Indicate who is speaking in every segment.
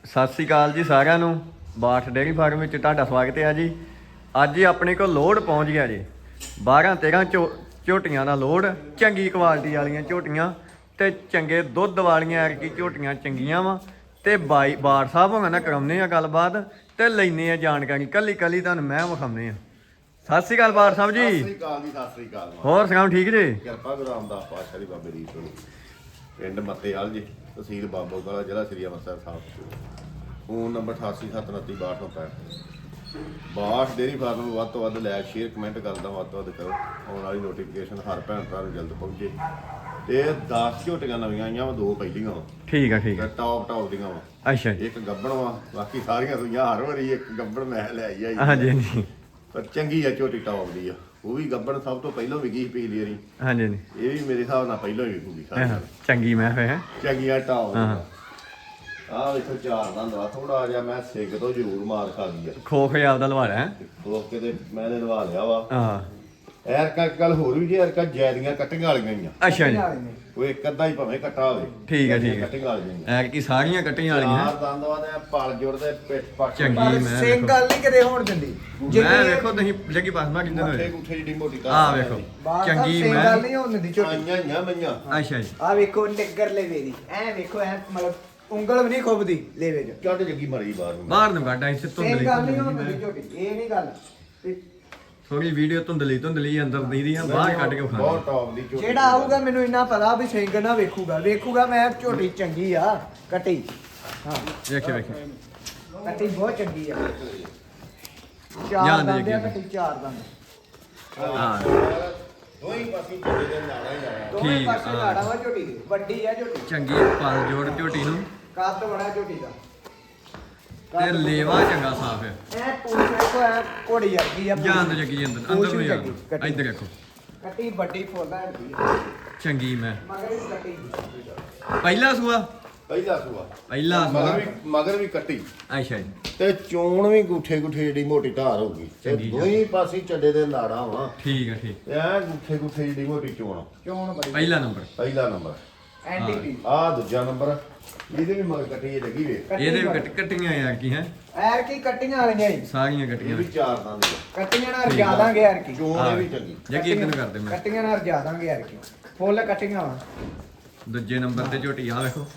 Speaker 1: ਸਤਿ ਸ੍ਰੀ ਅਕਾਲ ਜੀ ਸਾਰਿਆਂ ਨੂੰ। ਬਾਠ ਡੇਅਰੀ ਫਾਰਮ ਵਿੱਚ ਤੁਹਾਡਾ ਸਵਾਗਤ ਹੈ ਜੀ। ਅੱਜ ਹੀ ਆਪਣੇ ਕੋਲ ਲੋਡ ਪਹੁੰਚ ਗਿਆ ਜੀ। 12-13 ਝੋਟੀਆਂ ਦਾ ਲੋਡ, ਚੰਗੀ ਕੁਆਲਿਟੀ ਵਾਲੀਆਂ ਝੋਟੀਆਂ ਤੇ ਚੰਗੇ ਦੁੱਧ ਵਾਲੀਆਂ ਐਰਕੀ ਝੋਟੀਆਂ ਚੰਗੀਆਂ ਵਾ। ਤੇ ਬਾਠ ਸਾਹਿਬ ਹੋਣਾ ਨਾ ਕਰਾਉਂਦੇ ਆ ਗੱਲਬਾਤ ਤੇ ਲੈਨੇ ਆ ਜਾਣਕਾਰੀ ਕੱਲੀ ਤੁਹਾਨੂੰ ਮੈਂ ਵਿਖਾਉਂਦੇ ਆ। ਸਤਿ ਸ੍ਰੀ ਅਕਾਲ ਬਾਠ ਸਾਹਿਬ ਜੀ।
Speaker 2: ਸਤਿ ਸ੍ਰੀ ਅਕਾਲ ਜੀ, ਸਤਿ ਸ੍ਰੀ ਅਕਾਲ।
Speaker 1: ਹੋਰ ਸੁਣਾਓ, ਠੀਕ ਜੀ?
Speaker 2: ਕਿਰਪਾ ਗੁਰੂ ਰਾਮਦਾਸ ਪਾਤਸ਼ਾਹ ਦੀ ਬਾਬੇ ਦੀ ਤੋਂ ਪਿੰਡ ਮੱਤੇਵਾਲ ਜੀ, ਤਹਿਸੀਲ ਬਾਬੋਗਾਲਾ, ਜ਼ਿਲ੍ਹਾ Sri Amritsar Sahib. Phone number 8879326265। Bath dairy farm ਨੂੰ ਵੱਧ ਤੋਂ ਵੱਧ ਲਾਇਕ, ਸ਼ੇਅਰ, ਕਮੈਂਟ ਕਰਦਾ ਵੱਧ ਤੋਂ ਵੱਧ ਕਰੋ। ਆਉਣ ਵਾਲੀ ਨੋਟੀਫਿਕੇਸ਼ਨ ਹਰ ਭੈਣ ਭਰਾ ਨੂੰ ਜਲਦ ਪਹੁੰਚੇ। ਤੇ 10 ਝੋਟੀਆਂ ਨਵੀਆਂ ਆਈਆਂ ਵਾ, 2 ਪਹਿਲੀਆਂ ਵਾ।
Speaker 1: ਠੀਕ ਆ ਠੀਕ ਆ।
Speaker 2: ਟੌਪ ਦੀਆਂ ਵਾ।
Speaker 1: ਅੱਛਾ ਜੀ।
Speaker 2: ਇੱਕ ਗੱਬਣ ਵਾ, ਬਾਕੀ ਸਾਰੀਆਂ ਸੂਈਆਂ ਹਰ ਵਾਰੀ ਇੱਕ ਗੱਬਣ ਮੈਂ ਲੈ ਆਈ।
Speaker 1: ਹਾਂਜੀ ਹਾਂਜੀ।
Speaker 2: ਪਰ ਚੰਗੀ ਆ ਝੋਟੀ, ਟੌਪ ਦੀ ਆ। ਉਹ ਵੀ ਗੱਬਣ ਸਭ ਤੋਂ ਪਹਿਲਾਂ ਵਿਕੀ ਸੀ ਪਿਛਲੀ ਵਾਰੀ।
Speaker 1: ਹਾਂਜੀ ਹਾਂਜੀ।
Speaker 2: ਇਹ ਵੀ ਮੇਰੇ ਹਿਸਾਬ ਨਾਲ ਪਹਿਲਾਂ ਹੀ ਵਿਕੂਗੀ ਸਾਰੀ।
Speaker 1: ਚੰਗੀ ਮੈਂ ਹੋਇਆ
Speaker 2: ਚੰਗੀਆਂ ਟੌਪ
Speaker 1: ਹਾਂ।
Speaker 2: ਆਹ ਵੇਖੋ ਚਾਰ ਦਾ ਦਵਾ ਥੋੜਾ ਜਿਹਾ ਮੈਂ ਸਿੱਗ ਤੋਂ ਜ਼ਰੂਰ ਮਾਰ ਖਾ ਲਈ ਆ।
Speaker 1: ਖੋਖ ਆਪਦਾ ਲਵਾੜਾ ਹੈ।
Speaker 2: ਖੋਖ ਕੇ ਤੇ ਮੈਂ ਨੇ ਲਵਾ ਲਿਆ ਵਾ।
Speaker 1: ਹਾਂ।
Speaker 2: ਐਰਕਾ ਗੱਲ ਹੋਰ ਵੀ ਜੀ, ਐਰਕਾ ਜੈਦੀਆਂ ਕੱਟੀਆਂ ਵਾਲੀਆਂ ਹੀ ਆ।
Speaker 1: ਅੱਛਾ ਜੀ।
Speaker 2: ਉਹ ਇੱਕ ਅੱਧਾ ਹੀ ਭਾਵੇਂ ਕੱਟਾ ਹੋਵੇ।
Speaker 1: ਠੀਕ ਹੈ ਠੀਕ ਹੈ।
Speaker 2: ਕੱਟੀਆਂ ਵਾਲੀਆਂ
Speaker 1: ਐਰ ਕੀ ਸਾਰੀਆਂ ਕੱਟੀਆਂ ਵਾਲੀਆਂ
Speaker 2: ਚਾਰ ਦੰਦ ਵਾ ਤੇ ਪਲ ਜੁੜ ਦੇ ਪਿੱਠ ਪੱਟ
Speaker 1: ਚੰਗੀ
Speaker 3: ਪਰ
Speaker 1: ਮੈਂ
Speaker 3: ਸਿੰਘ ਗੱਲ ਨਹੀਂ ਕਿਤੇ ਹੋਣ ਦਿੰਦੀ।
Speaker 1: ਮੈਂ ਵੇਖੋ ਤੁਸੀਂ ਲੱਗੀ ਪਾਸਮਾ ਕਿੰਨੇ
Speaker 2: ਮੁੱਠੇ
Speaker 1: ਹੋਏ।
Speaker 2: ਗੁੱਠੇ ਜਿਹੜੀ ਮੋਟੀ ਤਾਂ
Speaker 1: ਆਹ ਵੇਖੋ ਚੰਗੀ
Speaker 3: ਸਿੰਘ
Speaker 1: ਮੈਂ।
Speaker 3: ਗੱਲ ਨਹੀਂ ਹੋਣ ਦਿੰਦੀ ਝੋਟੀ।
Speaker 2: ਆਈਆਂ ਹੀ ਆ ਮਈਆਂ।
Speaker 1: ਅੱਛਾ ਜੀ।
Speaker 3: ਆ ਵੇਖੋ ਨਿੱਗਰ ਲੈਵੇ ਦੀ, ਐ ਵੇਖੋ ਐ ਮਤਲਬ ਉਂਗਲ ਵੀ ਨਹੀਂ ਖੁੱਬਦੀ ਲੈਵੇ ਚ।
Speaker 2: ਕੱਢ ਜੱਗੀ ਮਰੀ ਬਾਹਰ ਨੂੰ।
Speaker 1: ਬਾਹਰ ਨੂੰ ਕੱਢ ਇੱਥੇ
Speaker 3: ਸਿੰਘ ਗੱਲ ਨਹੀਂ ਹੋਣ ਦਿੰਦੀ
Speaker 1: ਧੁੰਦਲੀ
Speaker 3: ਝੋਟੀ, ਇਹ ਨਹੀਂ ਗੱਲ। ਤੇ
Speaker 1: ਥੋੜੀ ਵੀਡੀਓ ਧੁੰਦਲੀ ਅੰਦਰ ਦੀ ਦੀਆਂ ਬਾਹਰ ਕੱਢ ਕੇ
Speaker 2: ਬਹੁਤ
Speaker 1: ਵਿਖਾ।
Speaker 2: ਟੌਪ ਦੀ ਝੋਟੀ।
Speaker 3: ਜਿਹੜਾ ਆਊਗਾ ਮੈਨੂੰ ਇੰਨਾ ਪਤਾ ਵੀ ਸਿੰਘ ਨਾ ਵੇਖੂਗਾ ਮੈਂ ਝੋਟੀ ਚੰਗੀ ਆ ਕੱਟੀ। ਹਾਂ
Speaker 1: ਵੇਖੇ
Speaker 3: ਕੱਟੀ ਬਹੁਤ ਚੰਗੀ ਆ।
Speaker 1: ਜਾਣ
Speaker 3: ਚਾਰ
Speaker 1: ਦੇ
Speaker 3: ਦੰਦ ਆ
Speaker 1: ਅੱਗੇ।
Speaker 3: ਕੱਟੀ, ਚਾਰ ਦੰਦ।
Speaker 1: ਹਾਂ।
Speaker 2: ਦੋਈ ਪਾਸੇ ਝੋਟੀ ਦੇ ਨਾਲਾ ਹੀ ਆਇਆ।
Speaker 3: ਦੋਵੇਂ
Speaker 1: ਠੀਕ,
Speaker 3: ਪਾਸੇ
Speaker 1: ਹਾਂ।
Speaker 3: ਲਾੜਾ ਵਾ ਝੋਟੀ ਦੀ, ਵੱਡੀ ਆ ਝੋਟੀ।
Speaker 1: ਚੰਗੀ ਪਲ ਜੋੜ ਝੋਟੀ ਨੂੰ
Speaker 3: ਕੱਦ ਬੜਾ ਝੋਟੀ ਦਾ।
Speaker 1: ਤੇ ਲੇਵਾ ਚੰਗਾ ਸਾਫ ਹੈ।
Speaker 3: ਐ ਪੂਛ ਵੇਖੋ, ਐ ਘੋੜੀ ਵਰਗੀ ਆ।
Speaker 1: ਜਾਨ ਦੇ ਜੱਗੀ ਅੰਦਰ ਨੂੰ ਜਾਨ। ਇੱਧਰ ਦੇਖੋ
Speaker 3: ਕੱਟੀ ਵੱਡੀ ਫੁੱਲਾਂ ਦੀ
Speaker 1: ਚੰਗੀ ਮੈਂ।
Speaker 3: ਮਗਰ ਵੀ ਕੱਟੀ।
Speaker 1: ਪਹਿਲਾ ਸੂਆ
Speaker 2: ਪਹਿਲਾ ਸੂਆ
Speaker 1: ਪਹਿਲਾ ਸੂਆ।
Speaker 2: ਮਗਰ ਵੀ ਕੱਟੀ
Speaker 1: ਅੱਛਾ ਜੀ।
Speaker 2: ਤੇ ਚੋਣ ਵੀ ਗੁੱਠੇ ਜਿਹੜੀ ਮੋਟੀ ਧਾਰ ਹੋਊਗੀ। ਤੇ
Speaker 1: ਚੰਗੀ
Speaker 2: ਦੋਈ ਪਾਸੇ ਚੱਡੇ ਦੇ ਨਾੜਾ ਵਾ।
Speaker 1: ਠੀਕ ਹੈ ਠੀਕ।
Speaker 2: ਐ ਗੁੱਠੇ ਜਿਹੜੀ ਮੋਟੀ ਚੋਣ।
Speaker 3: ਚੋਣ ਬੜੀ।
Speaker 1: ਪਹਿਲਾ ਨੰਬਰ।
Speaker 2: ਪਹਿਲਾ ਨੰਬਰ।
Speaker 3: ਐਂਟੀਪੀ।
Speaker 2: ਆਹ ਦੂਜਾ ਨੰਬਰ। ਇਹਦੇ ਵੀ ਮਗਰ ਕੱਟੀ ਇਹ ਲੱਗੀ ਵੇ।
Speaker 1: ਇਹਦੇ ਵੀ ਕੱਟੀਆਂ ਯਾਰ ਕੀ ਹੈ,
Speaker 3: ਐਰ ਕੀ ਕੱਟੀਆਂ ਵਾਲੀਆਂ ਹੀ।
Speaker 1: ਸਾਰੀਆਂ
Speaker 2: ਇਹ
Speaker 1: ਕੱਟੀਆਂ
Speaker 2: ਵੀ ਚਾਰ ਦੰਦ ਆ।
Speaker 3: ਕੱਟੀਆਂ ਨਾਲ ਰਜਾ ਦਾਂਗੇ ਐਰ ਕੀ।
Speaker 2: ਚੋਣ ਇਹ ਵੀ ਚੰਗੀ।
Speaker 1: ਜੱਗੀ ਇੱਧਰ ਨੂੰ ਕਰਦੇ ਮੈਂ।
Speaker 3: ਕੱਟੀਆਂ ਨਾਲ ਰਜਾ ਦਾਂਗੇ ਐਰ ਕੀ। ਫੁੱਲ ਕੱਟੀਆਂ ਵਾ।
Speaker 1: ਦੂਜੇ ਨੰਬਰ ਤੇ ਝੋਟੀ ਆ ਵੇਖੋ।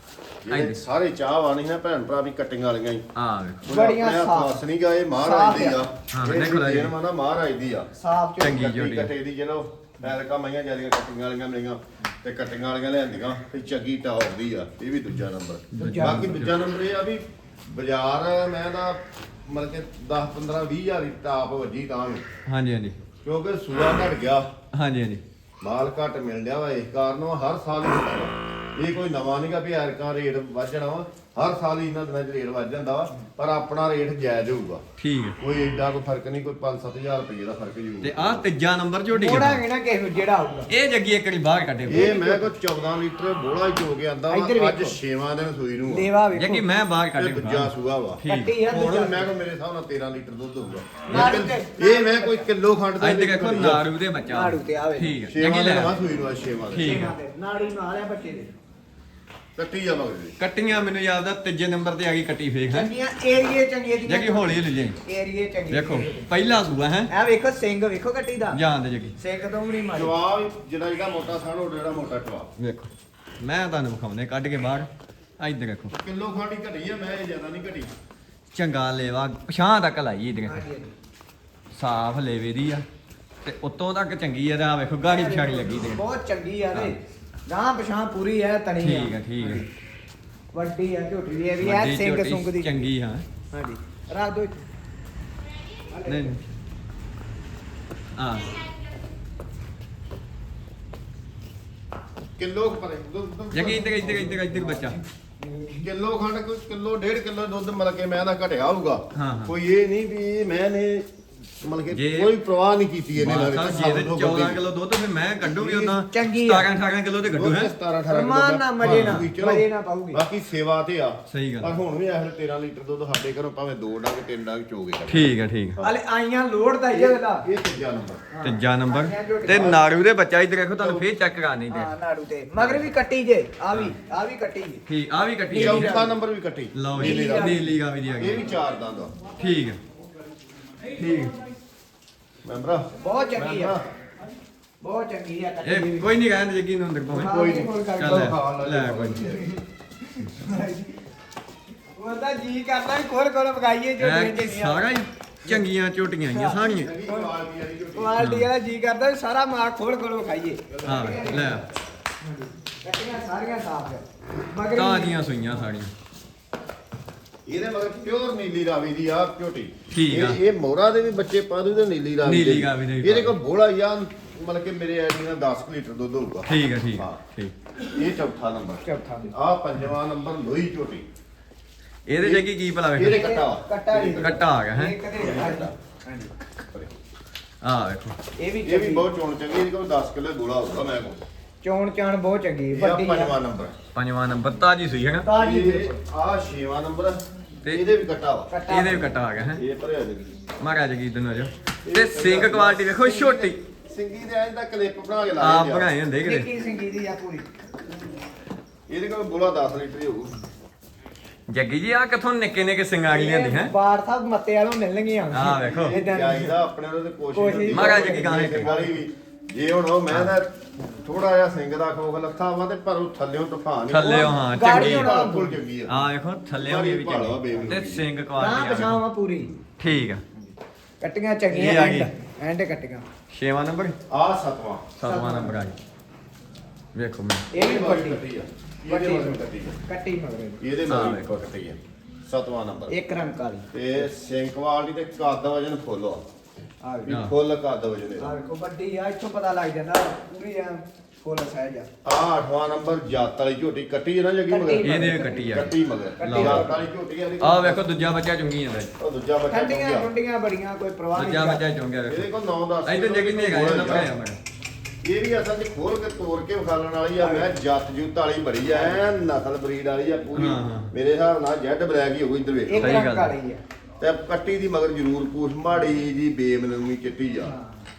Speaker 2: ਇਹ ਸਾਰੇ ਚਾਹ ਵਾਣੀ ਨਾ ਭੈਣ ਭਰਾ ਵੀ ਕੱਟੀਆਂ ਵਾਲੀਆਂ ਹੀ।
Speaker 1: ਆ ਵੇਖੋ
Speaker 3: ਬੜੀਆਂ ਸਾਫ਼।
Speaker 2: ਸਾਫ ਨਹੀਂ ਗਏ ਮਹਾਰਾਜ ਦੀ ਆ।
Speaker 1: ਹਾਂ,
Speaker 2: ਇਹ
Speaker 1: ਦੇਖੋ ਰਾਜੀ।
Speaker 2: ਜੇਨ ਮਾਨਾ ਮਹਾਰਾਜ ਦੀ ਆ।
Speaker 3: ਸਾਫ
Speaker 1: ਚੰਗੀ
Speaker 3: ਝੋਟੀ।
Speaker 1: ਝੋਟੀ।
Speaker 2: ਕੱਟੇ ਦੀ ਚਲੋ ਐਲਕਾ ਮਈਆਂ ਜਿਆਦੀਆਂ ਕੱਟੀਆਂ ਵਾਲੀਆਂ ਮਿਲੀਆਂ ਤੇ ਕੱਟੀਆਂ ਵਾਲੀਆਂ ਲਿਆਂਦੀਆਂ ਤੇ ਚੰਗੀ ਟੌਪ ਦੀ ਆ। ਇਹ ਵੀ ਦੂਜਾ ਨੰਬਰ। ਬਾਕੀ ਦੂਜਾ ਨੰਬਰ ਇਹ ਆ ਵੀ ਬਾਜ਼ਾਰ ਮੈਂ ਤਾਂ ਮਤਲਬ ਕਿ 10 15 20 ਹਜ਼ਾਰ ਦੀ ਟਾਪ ਵੱਜੀ ਤਾਂ ਵੀ,
Speaker 1: ਹਾਂਜੀ ਹਾਂਜੀ
Speaker 2: ਕਿਉਂਕਿ ਸੂਆ ਘਟ ਗਿਆ,
Speaker 1: ਹਾਂਜੀ ਹਾਂਜੀ।
Speaker 2: ਮਾਲ ਘੱਟ ਮਿਲ ਰਿਹਾ ਵਾ। ਇਸ ਕਾਰਨ ਉਹ ਹਰ ਸਾਲ ਹੀ ਹੁੰਦਾ ਵਾ। ਇਹ ਕੋਈ ਨਵਾਂ ਨਹੀਂਗਾ ਵੀ ਐਰਕਾ ਰੇਟ ਵੱਧ ਜਾਣਾ ਵਾ। ਹਰ ਸਾਲ ਹੀ ਇਹਨਾਂ ਦਿਨਾਂ 'ਚ ਰੇਟ ਵੱਧ ਜਾਂਦਾ ਵਾ, ਪਰ ਆਪਣਾ ਰੇਟ ਜਾਇਜ਼ ਹੋਊਗਾ।
Speaker 1: ਠੀਕ ਹੈ।
Speaker 2: ਕੋਈ ਏਡਾ ਕੋਈ ਫਰਕ ਨਹੀਂ, ਕੋਈ 5-7 ਹਜ਼ਾਰ ਰੁਪਏ ਦਾ ਫਰਕ ਜ਼ਰੂਰ।
Speaker 1: ਤੇ ਆਹ ਤੀਜਾ ਨੰਬਰ ਝੋਟੀ
Speaker 3: ਮੋੜਾ
Speaker 1: ਕਿੱਦਾਂ?
Speaker 3: ਕਿ ਨਾ ਕਿਸੇ ਜਿਹੜਾ ਆਊਗਾ।
Speaker 1: ਇਹ ਜੱਗੀ ਇੱਕ ਵਾਰੀ ਬਾਹਰ ਕੱਢੇ
Speaker 2: ਇਹ ਮੈਂ ਕੋ 14 ਲੀਟਰ ਬੋਲਾ ਹੀ ਚੋ ਕੇ ਆਂਦਾ
Speaker 3: ਇੱਧਰ
Speaker 2: ਵਾ। ਅੱਜ
Speaker 3: ਵੇਖੋ।
Speaker 2: 6ਵਾਂ ਦਿਨ ਸੂਈ ਨੂੰ ਆ।
Speaker 3: ਲੇਵਾ ਵੇਖੋ।
Speaker 1: ਜੱਗੀ ਮੈਂ ਬਾਹਰ ਕੱਢ
Speaker 2: ਇਹ
Speaker 1: ਕੇ
Speaker 2: ਦੂਜਾ ਸੂਆ ਵਾ।
Speaker 1: ਠੀਕ।
Speaker 3: ਕੱਟੀ ਆ
Speaker 2: ਹੁਣ
Speaker 3: ਦੂਜਾ।
Speaker 2: ਮੈਂ ਕੋ ਮੇਰੇ ਹਿਸਾਬ ਨਾਲ 13 ਲੀਟਰ ਦੁੱਧ ਹੋਊਗਾ।
Speaker 3: ਨਾੜੂ ਤੇ।
Speaker 2: ਇਹ ਮੈਂ ਕੋਈ ਕਿਲੋ ਖੰਡ ਦਾ
Speaker 1: ਇੱਧਰ ਦੇਖੋ ਨਾੜੂ ਦੇ ਬੱਚਾ।
Speaker 3: ਨਾੜੂ ਤੇ ਆਵੇ।
Speaker 1: ਠੀਕ ਹੈ।
Speaker 2: 6ਵਾਂ
Speaker 1: ਜੱਗੀ
Speaker 2: ਦਿਨ
Speaker 1: ਲੈ
Speaker 2: ਵਾ ਸੂਈ ਨੂੰ, 6ਵਾਂ ਦਿਨ।
Speaker 1: ਠੀਕ ਹੈ।
Speaker 3: ਨਾੜੀ ਨਾਲ ਆ ਬੱਚੇ ਦੇ।
Speaker 2: ਕੱਟੀ ਜਾ ਮਗਰ ਦੀ।
Speaker 1: ਕੱਟੀਆਂ ਮੈਨੂੰ ਯਾਦ ਆ ਤੀਜੇ ਨੰਬਰ ਤੇ ਆ ਗਈ ਕੱਟੀ ਫੇਕ ਹੈ।
Speaker 3: ਚੰਗੀਆਂ ਏਰੀਏ ਚੰਗੀਆਂ ਦੀਆਂ।
Speaker 1: ਜੱਗੀ ਹੌਲੀ ਲੈ ਜਾਈ।
Speaker 3: ਏਰੀਏ ਚੰਗੇ।
Speaker 1: ਦੇਖੋ ਪਹਿਲਾ ਸੂਆ ਹੈ।
Speaker 3: ਆ ਵੇਖੋ ਸਿੰਘ ਵੇਖੋ ਕੱਟੀ ਦਾ।
Speaker 1: ਜਾਣ ਦੇ ਜੱਗੀ।
Speaker 3: ਸਿੰਘ ਤੋਂ ਵੀ ਨਹੀਂ ਮਾਰੀ।
Speaker 2: ਜਵਾਬ ਜਿਹੜਾ ਮੋਟਾ ਸਾਣ ਉਹ ਜਿਹੜਾ ਮੋਟਾ ਜਵਾਬ।
Speaker 1: ਵੇਖੋ ਮੈਂ ਤੁਹਾਨੂੰ ਵਿਖਾਉਂਦੇ ਕੱਢ ਕੇ ਬਾਹਰ। ਇੱਧਰ ਦੇਖੋ
Speaker 2: ਕਿਲੋ ਖੰਡ ਹੀ ਘਟੀ ਆ, ਮੈਂ ਇਹ ਜ਼ਿਆਦਾ ਨਹੀਂ ਘਟੀ।
Speaker 1: ਚੰਗਾ ਲੇਵਾ ਪਛਾਂ ਤੱਕ ਲਾਈ ਇੱਧਰ
Speaker 3: ਹਾਂਜੀ, ਹਾਂਜੀ।
Speaker 1: ਸਾਫ ਲੇਵੇ ਦੀ ਆ ਤੇ ਉੱਤੋਂ ਤੱਕ ਚੰਗੀ ਆ। ਤੇ ਆ ਵੇਖੋ ਗਾੜੀ ਪਛਾੜੀ ਲੱਗੀ ਤੇ
Speaker 3: ਬਹੁਤ ਚੰਗੀ ਆ ਤੇ ਗਾਂ ਪਛਾਂ ਪੂਰੀ ਹੈ ਤਣੀ ਆ।
Speaker 1: ਠੀਕ ਹੈ ਠੀਕ ਹੈ।
Speaker 3: ਵੱਡੀ ਆ ਝੋਟੀ ਵੀ ਇਹ ਵੀ ਐ
Speaker 1: ਵੱਡੀ
Speaker 3: ਸਿੰਘ
Speaker 1: ਝੋਟੀ
Speaker 3: ਸੁੰਗ ਦੀ।
Speaker 1: ਚੰਗੀ ਹਾਂ।
Speaker 3: ਹਾਂਜੀ ਰੱਖ ਦੋ।
Speaker 1: ਨਹੀਂ ਨਹੀਂ ਆ
Speaker 2: ਕਿਲੋ ਪਰੇ ਦੁੱਧ
Speaker 1: ਜੱਗੀ ਇੱਧਰ ਬੱਚਾ।
Speaker 2: ਕਿਲੋ ਖੰਡ ਕੋਈ ਕਿਲੋ 1.5 ਕਿਲੋ ਦੁੱਧ ਮਿਲ ਕੇ ਮੈਂ ਦਾ ਘਟਿਆ ਹੋਊਗਾ।
Speaker 1: ਹਾਂ, ਹਾਂ।
Speaker 2: ਕੋਈ ਇਹ ਨਹੀਂ ਵੀ ਮੈਂ ਨੇ ਮਤਲਬ ਕਿ
Speaker 1: ਜੇ-
Speaker 2: ਕੋਈ ਪ੍ਰਵਾਹ ਨਹੀਂ ਕੀਤੀ ਇਹਨੇ
Speaker 1: ਬਾਤ
Speaker 2: ਨਾਲ
Speaker 1: ਸਾਹਿਬ ਜੇ ਤੇ 14 ਕਿਲੋ ਦੁੱਧ ਫਿਰ ਮੈਂ ਕੱਢੂਗੀ ਉਦਾਂ
Speaker 3: ਚੰਗੀ ਆ।
Speaker 1: 17-18 ਕਿਲੋ ਤੇ ਕੱਢੂ ਹੈ
Speaker 2: 17-18
Speaker 3: ਰਮਾਨ ਨਾਲ ਮਜੇ ਨਾਲ
Speaker 2: ਚਲੋ,
Speaker 3: ਮਜੇ ਨਾਲ ਪਾਉਗੀ
Speaker 2: ਬਾਕੀ ਸੇਵਾ ਤੇ ਆ
Speaker 1: ਸਹੀ ਗੱਲ।
Speaker 2: ਪਰ ਹੁਣ ਵੀ ਇਹ 13 ਲੀਟਰ ਦੁੱਧ ਸਾਡੇ ਘਰੋਂ ਭਾਵੇਂ 2 ਡੰਗ 3 ਡੰਗ ਚੋਗੇ
Speaker 1: ਠੀਕ ਹੈ
Speaker 3: ਹਲੇ ਆਈਆਂ ਲੋੜ ਦਾ ਹੀ ਇਹਦਾ
Speaker 2: ਇਹ ਤੀਜਾ ਨੰਬਰ
Speaker 1: ਤੀਜਾ ਨੰਬਰ ਤੇ ਨਾੜੂ ਦੇ ਬੱਚਾ ਇੱਧਰ ਦੇਖੋ ਤੁਹਾਨੂੰ ਫੇਰ ਚੈੱਕ ਕਰਾਣੀ ਤੇ
Speaker 3: ਹਾਂ ਨਾੜੂ ਤੇ ਮਗਰ ਵੀ ਕੱਟੀ ਜੇ ਆ ਵੀ ਕੱਟੀ ਜੇ
Speaker 1: ਠੀਕ ਆ ਵੀ ਕੱਟੀ ਹੈ
Speaker 2: ਚੌਥਾ ਨੰਬਰ ਵੀ ਕੱਟੀ
Speaker 1: ਲਓ ਜੀ
Speaker 2: ਨੀਲੀ ਰਾਵੀ।
Speaker 1: ਨੀਲੀ ਗਾਵੀ ਦੀ ਆ
Speaker 2: ਇਹ
Speaker 1: ਗਈ
Speaker 2: ਵੀ 4 ਦੰਦ ਆ
Speaker 1: ਠੀਕ ਹੈ ਠੀਕ
Speaker 2: ਮੈਂਬਰਾ
Speaker 3: ਬਹੁਤ ਚੰਗੀ ਆ ਬਹੁਤ ਚੰਗੀ ਆ ਕੱਟੀ
Speaker 1: ਇਹ
Speaker 3: ਵੀ
Speaker 1: ਕੋਈ ਨਹੀਂ ਕਹਿੰਦੇ ਜੱਗੀ ਨੂੰ ਅੰਦਰ ਪਾਵੇਂ
Speaker 2: ਕੋਈ ਨਹੀਂ
Speaker 1: ਚੱਲ ਲੈ ਕੋਈ
Speaker 3: ਉਹਦਾ ਜੀ ਕਰਦਾ ਵੀ ਖੋਲ ਖੋਲ ਵਗਾਈਏ ਜੋ
Speaker 1: ਇਹ ਸਾਰਾ ਹੀ ਚੰਗੀਆਂ ਝੋਟੀਆਂ ਆਈਆਂ ਸਾਰੀਆਂ
Speaker 3: ਕੁਆਲਿਟੀ ਵਾਲਾ ਜੀ ਕਰਦਾ ਵੀ ਸਾਰਾ ਮਾਲ ਖੋਲ ਖੋਲ ਵਗਾਈਏ
Speaker 1: ਹਾਂ ਲੈ
Speaker 3: ਕੱਟੀਆਂ ਸਾਰੀਆਂ ਸਾਫ ਆ ਮਗਰ
Speaker 1: ਤਾਜ਼ੀਆਂ ਸੂਈਆਂ ਸਾਰੀਆਂ
Speaker 2: ਇਹਦੇ ਮਗਰ ਪਿਓਰ ਨੀਲੀ ਰਾਵੀ ਦੀ ਆ ਝੋਟੀ
Speaker 1: ਠੀਕ ਆ।
Speaker 2: ਇਹ ਮੋਹਰਾ ਦੇ ਵੀ ਬੱਚੇ ਪਾ ਦੂ ਤੇ ਨੀਲੀ ਰਾਵੀ
Speaker 1: ਨੀਲੀ ਰਾਵੀ ਦੇ ਵੀ
Speaker 2: ਇਹਦੇ
Speaker 1: ਪਾ
Speaker 2: ਕੋਲ ਬੋਲਾ ਜਾਂ ਮਤਲਬ ਕਿ ਮੇਰੇ ਆਈਡੀ ਨਾਲ 10 ਲੀਟਰ ਦੁੱਧ ਹੋਊਗਾ
Speaker 1: ਠੀਕ ਹੈ ਠੀਕ
Speaker 2: ਹਾਂ।
Speaker 1: ਠੀਕ
Speaker 2: ਇਹ ਚੌਥਾ ਨੰਬਰ
Speaker 3: ਚੌਥਾ
Speaker 2: ਆ ਪੰਜਵਾਂ ਨੰਬਰ ਲੋਹੀ ਝੋਟੀ
Speaker 1: ਇਹਦੇ ਜੱਗੀ ਕੀ ਭਲਾ
Speaker 2: ਇਹਦੇ
Speaker 1: ਵੇਖ
Speaker 2: ਕੱਟਾ ਵਾ।
Speaker 3: ਕੱਟਾ ਨਹੀਂ
Speaker 1: ਕੱਟਾ ਆ ਗਿਆ ਹੈ
Speaker 3: ਇਹ ਕਦੇ ਹਾਂਜੀ
Speaker 1: ਆ ਵੇਖੋ
Speaker 3: ਇਹ ਵੀ
Speaker 2: ਇਹ ਵੀ ਬਹੁਤ ਚੋਣ ਚੰਗੀ ਇਹਦੇ ਕੋਲ 10 ਕਿਲੋ ਗੋਲਾ ਹੋਊਗਾ ਮੈਂ ਕੋਲ
Speaker 3: ਚੋਣ ਚਾਣ ਬਹੁਤ ਚੰਗੀ
Speaker 2: ਇਹ ਆ
Speaker 3: ਵੱਡੀ
Speaker 2: ਪੰਜਵਾਂ ਨੰਬਰ
Speaker 1: ਪੰਜਵਾਂ ਨੰਬਰ ਤਾਜੀ ਸੂਈ ਹੈ ਨਾ
Speaker 3: ਤਾਜੀ
Speaker 2: ਇਹ ਆ ਛੇਵਾਂ ਨੰਬਰ
Speaker 1: ਤੇ
Speaker 2: ਇਹਦੇ ਵੀ ਕੱਟਾ ਵਾ
Speaker 3: ਕੱਟਾ
Speaker 1: ਇਹਦੇ ਵੀ ਕੱਟਾ ਆ ਗਿਆ ਹੈ
Speaker 2: ਇਹ ਭਰਿਆ ਦੇ
Speaker 1: ਮਾਰਾ ਜੱਗੀ ਦਿਨ ਜੋ ਤੇ ਸਿੰਗ ਕੁਆਲਿਟੀ ਵੇਖੋ ਛੋਟੀ
Speaker 2: ਸਿੰਗੀ ਦੇ ਐਂ ਦਾ ਕਲਿੱਪ ਬਣਾ ਕੇ
Speaker 1: ਆਪ
Speaker 2: ਲਾਇਆ
Speaker 1: ਬਣਾਏ ਹੁੰਦੇ ਕਿਤੇ
Speaker 3: ਨਿੱਕੀ ਸਿੰਗੀ ਦੀ ਆ ਪੂਰੀ
Speaker 2: ਇਹਦੇ ਕੋਲ ਗੋਲਾ 10 ਲੀਟਰ ਹੀ ਹੋਊ
Speaker 1: ਜੱਗੀ ਜੀ ਆ ਕਿੱਥੋਂ ਨਿੱਕੇ ਨਿੱਕੇ ਸਿੰਗਾਂ ਆ ਜਾਂਦੀ ਹੈ
Speaker 3: ਬਾੜ ਸਾਹਿਬ ਮੱਤੇ ਵਾਲੋਂ ਮਿਲਣਗੀਆਂ
Speaker 1: ਆਹ ਵੇਖੋ।
Speaker 3: ਏਦਾਂ ਦੀ।
Speaker 2: ਚਾਹੀਦਾ ਆਪਣੇ ਉਹਦੇ ਕੋਸ਼ਿਸ਼
Speaker 3: ਕੋਸ਼ਿਸ਼
Speaker 2: ਹੁੰਦੀ
Speaker 1: ਮਹਾਰਾਜ ਕੀ ਕਹਾਣੀ
Speaker 2: ਸਿੰਘ ਵਾਲੀ ਵੀ ਜੇ ਹੁਣ ਉਹ ਮੈਂ ਤਾਂ ਥੋੜਾ ਜਿਹਾ ਸਿੰਘ ਦਾ ਖੋਖ ਲੱਥਾ ਵਾ ਤੇ ਪਰ ਉਹ ਥੱਲਿਓਂ ਤੂਫਾਨ ਹੀ
Speaker 1: ਥੱਲਿਓਂ ਹਾਂ
Speaker 3: ਗਾੜੀ
Speaker 1: ਚੰਗੀ
Speaker 3: ਹੋਣਾ।
Speaker 2: ਬਿਲਕੁਲ ਚੰਗੀ ਆ
Speaker 1: ਆ ਵੇਖੋ ਥੱਲਿਓਂ ਵੀ
Speaker 2: ਭਾਲਵਾ
Speaker 1: ਚੰਗੀ
Speaker 2: ਬੇਬੀ
Speaker 1: ਤੇ ਸਿੰਗ
Speaker 3: ਨਾ
Speaker 1: ਕੁਆਲਿਟੀ ਆ
Speaker 3: ਪਛਾਵਾ
Speaker 1: ਵੇਖੋ।
Speaker 3: ਪੂਰੀ
Speaker 1: ਠੀਕ ਆ
Speaker 3: ਕੱਟੀਆਂ
Speaker 1: ਇਹ
Speaker 3: ਚੰਗੀਆਂ
Speaker 1: ਆ ਗਈ।
Speaker 3: ਐਂਡ ਕੱਟੀਆਂ
Speaker 1: 6ਵਾਂ ਨੰਬਰ
Speaker 2: ਆ ਸਤਵਾਂ
Speaker 1: 7ਵਾਂ ਨੰਬਰ ਆ ਗਿਆ ਵੇਖੋ ਮੈਂ
Speaker 3: ਇਹ ਵੀ ਵੱਡੀ
Speaker 2: ਕੱਟੀ ਆ ਇਹਦੇ ਮਗਰ ਕੱਟੀ ਆ
Speaker 3: ਕੱਟੀ ਮਗਰ
Speaker 2: ਇਹਦੇ
Speaker 1: ਹਾਂ,
Speaker 2: ਮਗਰ
Speaker 1: ਵੇਖੋ।
Speaker 2: ਕੱਟੀ ਆ ਸਤਵਾਂ ਨੰਬਰ
Speaker 3: ਇੱਕ ਰੰਗ ਕਾਲੀ
Speaker 2: ਤੇ ਸਿੰਕ ਵਾਲੀ ਤੇ ਕੱਦ ਵਜਨ ਫੁੱਲ ਆ
Speaker 3: ਆ
Speaker 2: ਵੀ
Speaker 1: ਹਾਂ।
Speaker 2: ਫੁੱਲ ਕੱਦ ਵਜਨ
Speaker 3: ਆ
Speaker 2: ਇਹਦਾ
Speaker 3: ਵੇਖੋ ਵੱਡੀ ਆ ਇੱਥੋਂ ਪਤਾ ਲੱਗ ਜਾਂਦਾ ਪੂਰੀ ਆ ਫੁੱਲ ਸਾਈਜ਼ ਆ
Speaker 2: ਆ 8ਵਾਂ ਨੰਬਰ ਜਾਤ ਵਾਲੀ ਝੋਟੀ ਕੱਟੀ ਹੈ ਨਾ ਜੱਗੀ ਮਗਰ
Speaker 3: ਕੱਟੀ।
Speaker 1: ਇਹਦੇ ਵੀ ਕੱਟੀ ਆ
Speaker 2: ਕੱਟੀ ਮਗਰ
Speaker 3: ਕੱਟੀ।
Speaker 2: ਜਾਤ ਵਾਲੀ ਝੋਟੀ ਆ
Speaker 1: ਆ ਵੇਖੋ ਦੂਜਾ ਬੱਚਾ ਚੁੰਗੀ ਜਾਂਦਾ ਜੀ।
Speaker 2: ਉਹ ਦੂਜਾ ਬੱਚਾ
Speaker 3: ਠੰਡੀਆਂ
Speaker 2: ਚੁੰਗਿਆ।
Speaker 3: ਠੰਡੀਆਂ ਬੜੀਆਂ ਕੋਈ ਪ੍ਰਵਾਹ
Speaker 1: ਦੂਜਾ
Speaker 3: ਨਹੀਂ
Speaker 1: ਬੱਚਾ ਚੁੰਗਿਆ
Speaker 2: ਇਹਦੇ
Speaker 1: ਵੇਖੋ
Speaker 2: ਕੋਲ 9-10
Speaker 1: ਇੱਧਰ ਜੱਗੀ ਨੇ ਹੈਗਾ ਇਹਨਾਂ ਬਣਾਇਆ ਮੈਂ
Speaker 2: ਇਹ ਵੀ ਅਸਲ 'ਚ ਖੋਲ ਕੇ ਤੋੜ ਕੇ ਵਿਖਾਲਣ ਵਾਲੀ ਆ ਮੈਂ ਜੱਤ ਜੁੱਤ ਵਾਲੀ ਬੜੀ ਆ ਐਨ ਨਸਲ ਬਰੀਡ ਵਾਲੀ ਆ ਪੂਰੀ
Speaker 1: ਹਾਂ, ਹਾਂ।
Speaker 2: ਮੇਰੇ ਹਿਸਾਬ ਨਾਲ ਜੈਡ ਬਲੈਕ ਹੀ ਹੋਊ ਇੱਧਰ ਵੇਖ
Speaker 3: ਇੱਕ
Speaker 1: ਸਹੀ
Speaker 3: ਰੰਗ
Speaker 1: ਗੱਲ।
Speaker 3: ਕਾਲੀ ਆ
Speaker 2: ਤੇ ਕੱਟੀ ਦੀ ਮਗਰ ਜ਼ਰੂਰ ਪੂਛ ਮਾੜੀ ਜੀ ਬੇਮਨੂਮੀ ਚਿੱਟੀ ਆ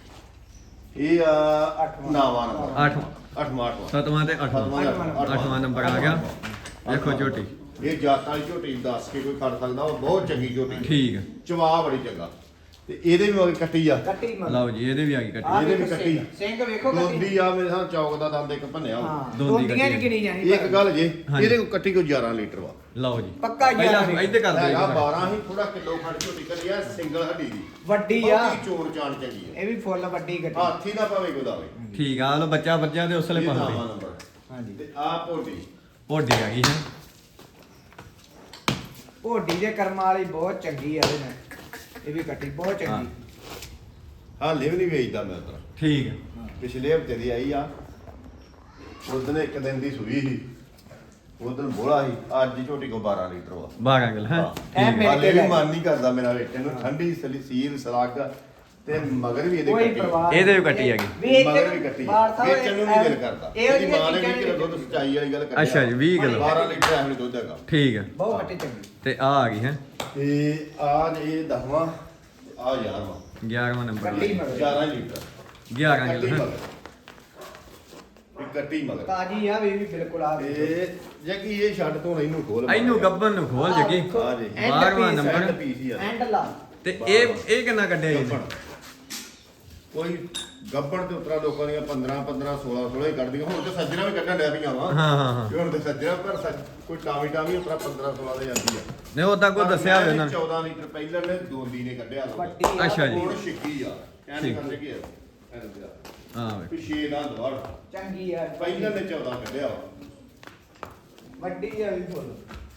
Speaker 2: ਇਹ ਆ
Speaker 3: ਅੱਠਵਾਂ।
Speaker 2: 9ਵਾਂ ਨੰਬਰ
Speaker 1: 8ਵਾਂ
Speaker 2: 8ਵਾਂ
Speaker 1: 7ਵਾਂ ਤੇ 8ਵਾਂ 8ਵਾਂ ਨੰਬਰ ਆ ਗਿਆ ਵੇਖੋ ਝੋਟੀ
Speaker 2: ਇਹ ਜਾਤਾਂ ਵਾਲੀ ਝੋਟੀ ਦੱਸ ਕੇ ਕੋਈ ਖੜ ਸਕਦਾ ਉਹ ਬਹੁਤ ਚੰਗੀ ਝੋਟੀ
Speaker 1: ਠੀਕ ਆ।
Speaker 2: ਚਵਾ ਬੜੀ ਚੰਗਾ ਤੇ ਇਹਦੇ ਵੀ ਮਗਰ ਕੱਟੀ ਆ
Speaker 3: ਕੱਟੀ ਮਗਰ
Speaker 1: ਲਓ ਜੀ ਇਹਦੇ ਵੀ ਆ ਗਈ ਕੱਟੀ
Speaker 3: ਆਹ
Speaker 2: ਇਹਦੇ ਵੀ
Speaker 3: ਵੇਖੋ
Speaker 2: ਕੱਟੀ।
Speaker 3: ਸਿੰਘ ਵੇਖੋ ਕੱਟੀ
Speaker 2: ਦੋਂਦੀ ਆ ਮੇਰੇ ਸਾਹ ਚੌਕ ਦਾ ਦੰਦ ਇੱਕ ਭੰਨਿਆ ਹੋਊ।
Speaker 3: ਹਾਂ
Speaker 1: ਦੋਂਦੀ
Speaker 3: ਦੋਂਦੀਆਂ
Speaker 1: ਕੱਟੀ
Speaker 3: ਨਹੀਂ ਗਿਣੀ ਜਾਣੀ
Speaker 2: ਇੱਕ ਗੱਲ ਜੇ
Speaker 1: ਹਾਂਜੀ।
Speaker 2: ਇਹਦੇ ਕੋਲ ਕੱਟੀ ਕੋਈ 11 ਲੀਟਰ ਵਾ
Speaker 1: ਲਓ ਜੀ
Speaker 3: ਪੱਕਾ ਹੀ ਆ
Speaker 1: ਪਹਿਲਾਂ
Speaker 3: ਜੀ।
Speaker 1: ਇੱਧਰ ਕਰ
Speaker 2: ਹੈਗਾ
Speaker 1: ਦਿਓ
Speaker 2: 12 ਹੀ ਥੋੜਾ ਕਿਲੋ ਖੰਡ ਝੋਟੀ ਕਰੀ ਆ ਸਿੰਗਲ ਹੱਡੀ ਦੀ
Speaker 3: ਵੱਡੀ ਆ
Speaker 2: ਬਹੁਤੀ ਚੋਣ ਚਾਣ ਚੰਗੀ ਆ
Speaker 3: ਇਹ ਵੀ ਫੁੱਲ ਵੱਡੀ ਕੱਟੀ
Speaker 2: ਹਾਥੀ ਨਾ ਪਾਵੇ ਗੋਦਾਵੇ
Speaker 1: ਠੀਕ ਆ ਲੋ ਬੱਚਾ ਬੱਚਾ ਤੇ ਉਸਲੇ
Speaker 2: ਇਹ
Speaker 1: ਪਾਉਂਦੇ
Speaker 2: ਨਾਵਾਂ ਨੰਬਰ
Speaker 3: ਹਾਂਜੀ
Speaker 2: ਤੇ ਆ ਭੋਟੀ
Speaker 1: ਓਡੀ ਆ ਗਈ ਹੈ
Speaker 3: ਢੋਡੀ ਦੇ ਕਰਮਾਂ ਵਾਲੀ ਬਹੁਤ ਚੰਗੀ ਆ ਇਹਦੇ ਨਾਲ ਇਹ ਵੀ ਕੱਟੀ ਬਹੁਤ ਚੰਗੀ
Speaker 2: ਹਾਲੇ ਵੀ ਨਹੀਂ ਵੇਚਦਾ ਮੈਂ ਉਧਰ
Speaker 1: ਠੀਕ ਹੈ
Speaker 2: ਪਿਛਲੇ ਹਫਤੇ ਦੀ ਆਈ ਆ ਉਦੋਂ ਇੱਕ ਦਿਨ ਦੀ ਸੂਈ ਸੀ ਉਦੋਂ ਬੋਲਾ ਸੀ ਅੱਜ ਦੀ ਝੋਟੀ ਕੋ 12 ਲੀਟਰ ਵਾ
Speaker 1: 12 ਕਿਲ ਹੈ
Speaker 2: ਹਾਂ।
Speaker 3: ਇਹ ਮੇਰੇ
Speaker 2: ਹਾਲੇ ਵੀ
Speaker 3: ਤੇ
Speaker 2: ਮਨ ਨਹੀਂ ਕਰਦਾ ਮੇਰਾ ਵੇਚਣ ਨੂੰ ਠੰਡੀ ਸੀਲ ਸਲਾਗ ਤੇ ਮਗਰ ਵੀ ਇਹਦੇ
Speaker 3: ਕੋਈ
Speaker 2: ਕੱਟੀ
Speaker 3: ਪਰਵਾਹ
Speaker 1: ਇਹਦੇ ਵੀ ਕੱਟੀ ਹੈਗੀ।
Speaker 3: ਵੇਚ
Speaker 2: ਮਗਰ ਵੀ ਕੱਟੀ
Speaker 3: ਬਾਹਰ ਸਾਹਿਬ
Speaker 2: ਵੇਚਣ ਨੂੰ ਨਹੀਂ ਦਿਲ ਕਰਦਾ
Speaker 3: ਇਹੋ
Speaker 2: ਇਹਦੀ
Speaker 3: ਜਿਹੀਆਂ
Speaker 2: ਮਾਂ ਨੇ
Speaker 3: ਚੀਜ਼ਾਂ
Speaker 2: 20 ਕਿਲੋ ਦੁੱਧ ਸਚਾਈ ਵਾਲੀ ਗੱਲ ਕਰੀ
Speaker 1: ਅੱਛਾ ਜੀ 20 ਕਿਲੋ
Speaker 2: 12 ਲੀਟਰ ਐਵੇਂ ਦੁੱਧ ਹੈਗਾ
Speaker 1: ਠੀਕ ਹੈ
Speaker 3: ਬਹੁਤ ਕੱਟੀ ਚੰਗੀ
Speaker 1: ਤੇ ਆ ਗਈ ਹੈ
Speaker 2: ਤੇ ਆ ਇਹ 10ਵਾਂ ਆ 11ਵਾਂ
Speaker 1: 11ਵਾਂ ਨੰਬਰ
Speaker 3: ਕੱਟੀ ਮਗਰ
Speaker 2: 11 ਲੀਟਰ
Speaker 1: 11
Speaker 2: ਕੱਟੀ
Speaker 1: ਕਿਲੋ
Speaker 2: ਮਗਰ ਇਹ ਕੱਟੀ ਮਗਰ
Speaker 3: ਤਾਜੀ ਆ ਵੀ ਬਿਲਕੁਲ ਆ
Speaker 2: ਤੇ ਜੇ ਕੀ ਇਹ ਛੱਡ ਤੋਂ ਇਹਨੂੰ ਖੋਲ
Speaker 1: ਇਹਨੂੰ ਗੱਬਨ ਨੂੰ ਖੋਲ ਜਗੀ
Speaker 2: ਆ ਜੀ।
Speaker 1: 12ਵਾਂ ਨੰਬਰ
Speaker 2: ਐਂਡ ਪੀਸ ਹੀ ਆ
Speaker 3: ਐਂਡ ਲਾ
Speaker 1: ਤੇ ਇਹ ਕਿੰਨਾ ਕੱਢਿਆ ਜੀ
Speaker 2: ਗੱਬਣ। ਕੋਈ ਗੱਬੜ ਤੇ ਉਤਰਾ ਲੋਕਾਂ ਦੀਆਂ 15 16 16 ਹੀ ਕੱਢਦੀਆਂ ਹੁਣ ਤੇ ਸੱਜਣਾ ਵੀ ਕੱਢਣ ਡਿਆ ਪਈਆਂ ਵਾ
Speaker 1: ਹਾਂ ਹਾਂ ਹਾਂ
Speaker 2: ਹੁਣ ਤੇ ਸੱਜਣਾ ਪਰ ਕੋਈ ਟਾਵੀ ਉਤਰਾ 15 16 ਦੇ ਜਾਂਦੀ ਆ
Speaker 1: ਨੇ ਉਦਾਂ ਕੋਈ ਦੱਸਿਆ ਹੋਵੇ ਉਹਨਾਂ ਨੇ
Speaker 2: 14 ਲੀਟਰ ਪਹਿਲਾਂ ਨੇ ਦੋਂਦੀ ਨੇ ਕੱਢਿਆ ਲਓ
Speaker 3: ਵੱਡੀ ਆ
Speaker 1: ਅੱਛਾ ਜੀ।
Speaker 2: ਹੁਣ ਛਿੱਕੀ ਆ ਕਹਿੰਦੇ
Speaker 1: ਠੀਕ।
Speaker 2: ਕਰਦੇ ਕੀ ਆ
Speaker 1: ਹਾਂ ਵੇ
Speaker 2: ਪਿਛੇ ਦਾ ਦਵਾੜ
Speaker 3: ਚੰਗੀ ਆ
Speaker 2: ਪਹਿਲਾਂ ਨੇ 14 ਕੱਢਿਆ ਵਾ
Speaker 3: ਵੱਡੀ ਆ ਵੀ ਫੁੱਲ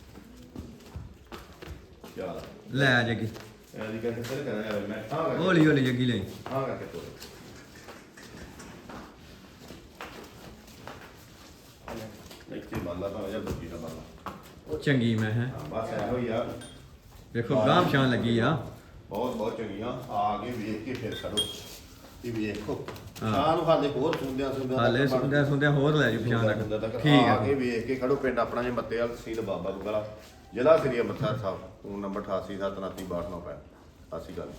Speaker 2: ਚੱਲ
Speaker 1: ਲੈ ਜਗੀ
Speaker 2: ਐਦੀ ਕਰਕੇ ਫਿਰ ਕਰਾਂ ਯਾਰ ਮੈਂ ਹਾਂ ਕਰਕੇ
Speaker 1: ਹੌਲੀ ਹੌਲੀ ਜਗੀ ਲੈ
Speaker 2: ਹਾਂ ਕਰਕੇ ਤੋੜ ਇੱਥੇ ਬਾਲਾ ਤਾਂ ਜਾਂ ਬੱਜੀ ਦਾ ਬਾਲਾ
Speaker 1: ਚੰਗੀ ਮੈਂ ਹੈ
Speaker 2: ਹਾਂ ਬਸ ਇਹੋ ਹੀ ਆ
Speaker 1: ਵੇਖੋ ਗਾਮ ਸ਼ਾਨ ਲੱਗੀ ਆ
Speaker 2: ਬਹੁਤ ਬਹੁਤ ਚੰਗੀਆਂ ਆ ਕੇ ਵੇਖ ਕੇ ਫਿਰ ਕਰੋ ਇਹ ਵੇਖੋ
Speaker 1: ਹਾਂ।
Speaker 2: ਸ਼ਾਹ ਨੂੰ ਹਾਲੇ ਹੋਰ ਸੁਣਦਿਆਂ
Speaker 1: ਹਾਲੇ ਸੁਣਦਿਆਂ ਹੋਰ ਲੈ ਜੀ ਪਛਾਣ
Speaker 2: ਤੱਕ
Speaker 1: ਠੀਕ
Speaker 2: ਆ
Speaker 1: ਹੈ
Speaker 2: ਕੇ ਵੇਖ ਕੇ ਖੜੋ ਪਿੰਡ ਆਪਣਾ ਜੇ ਮੱਤੇਵਾਲ ਤਹਿਸੀਲ ਬਾਬਾ ਬੁਗਲਾ ਜ਼ਿਲ੍ਹਾ ਸ੍ਰੀ ਅੰਮ੍ਰਿਤਸਰ ਸਾਹਿਬ ਫੋਨ ਨੰਬਰ 88 729 62 ਸਤਿ ਸ਼੍ਰੀ ਅਕਾਲ।